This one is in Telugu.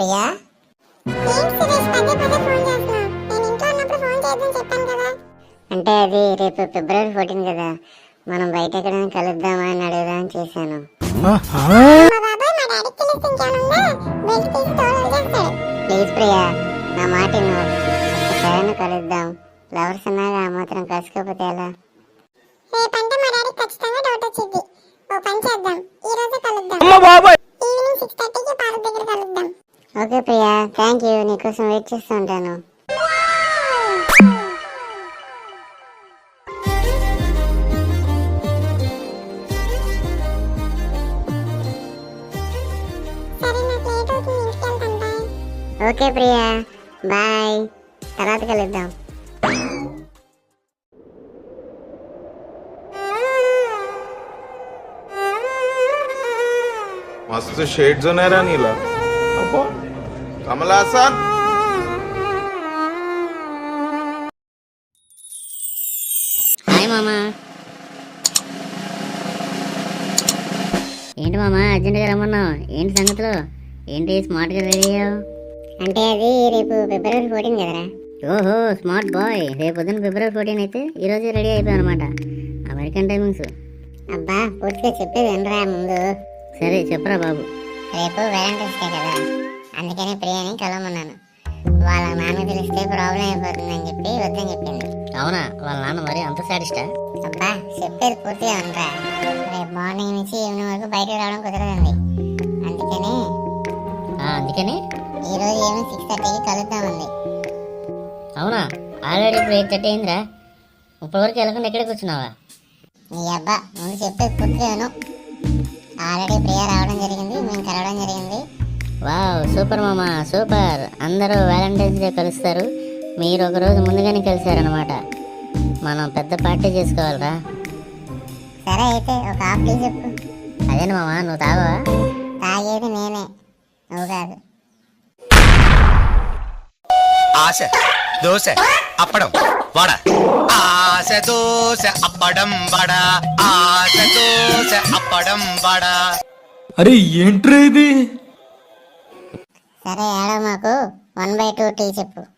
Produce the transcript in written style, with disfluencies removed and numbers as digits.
ప్రియా? అంటే అది రేపు ఫిబ్రవరి 14 కదా, మనం బయట ఎక్కడైనా కలుద్దామా అని అడుగుదామని చేశాను. ప్లీజ్ ప్రియా, నా మాట ఒక్కసారి కలుద్దాం. లవర్స్ అన్నాగా ఆ మాత్రం కలుసుకోకపోతే ఎలా? రేపంటే మా డాడీకి ఖచ్చితంగా డౌట్ వచ్చింది. ఓ పని చేద్దాం, ఈ రోజే కలుద్దాం. ఈవినింగ్ 6:30కి పార్క్ దగ్గర కలుద్దాం. Okay Priya, thank you. నీకోసం వెయిట్ చేస్తూ ఉంటాను. సరే, నాకు లేట్ అవుతుంది, ఇంటికి వెళ్తాను. బాయ్. Okay Priya, bye. తర్వాత కలుద్దాం. मस्त शेड जो नाही राणीला कमला असा హాయ్ మామా. ఏంటి మామా అర్జెంటుగా రమ్మన్నావు? ఏంటి సంగతులు? ఏంటి స్మార్ట్గా రెడీ అయ్యావు? అంటే అది రేపు ఫిబ్రవరి 14 కదరా. ఓహో, స్మార్ట్ బాయ్. రేపు పొద్దున్న ఫిబ్రవరి 14 అయితే ఈరోజు రెడీ అయిపోయావు అనమాట. American timings. అబ్బా, పూర్తిగా చెప్పేది వినరా ముందు. సరే చెప్పరా బాబు. రేపు వ్యాలంటైన్స్ డే కదా, అందుకని ప్రియాని కలవమన్నాను. వాళ్ళ నాన్న తెలిస్తే ప్రాబ్లం అయిపోతుందని చెప్పి వద్దని చెప్పింది. అవునా? వాళ్ళ నాన్న మరి అంత సాడిస్టా? అబ్బా, చెప్పేది పూర్తిగా ఉండరా. రేపు మార్నింగ్ నుంచి ఈవినింగ్ వరకు బయటకు రావడం కుదరదండి. అందుకని ఈరోజు ఈవినింగ్ 6:30కి కలుద్దామంది. అవునా? ఆల్రెడీ ఇప్పుడు 8:30 అయిందిరా. ఇప్పటి వరకు వెళ్ళకుండా ఎక్కడ కూర్చున్నావా? నీ అబ్బా, ముందు చెప్పేది పూర్తిగా విను. ఆల్రెడీ ప్రియ రావడం జరిగింది, మేము కలవడం జరిగింది. వావ్, సూపర్ మామా, సూపర్. అందరూ వ్యాలంటైన్స్ డే కలుస్తారు, మీరు ఒక రోజు ముందుగానే కలిసారనమాట. మనం పెద్ద పార్టీ చేసుకోవాలరా. సరే అయితే ఒక హాఫ్ టీ చెప్పు. అదేనా మామా, నువ్వు తాగవా? తాగేది నేనే, నువ్వు కాదు. ఆశ దోశ అప్పడం వడ, ఆశ దోశ అప్పడం వడ, ఆశ దోశ అప్పడం వడ. అరే ఏంట్రా ఇది? సరే, ఆడ మాకు 1/2 టీ చెప్పు.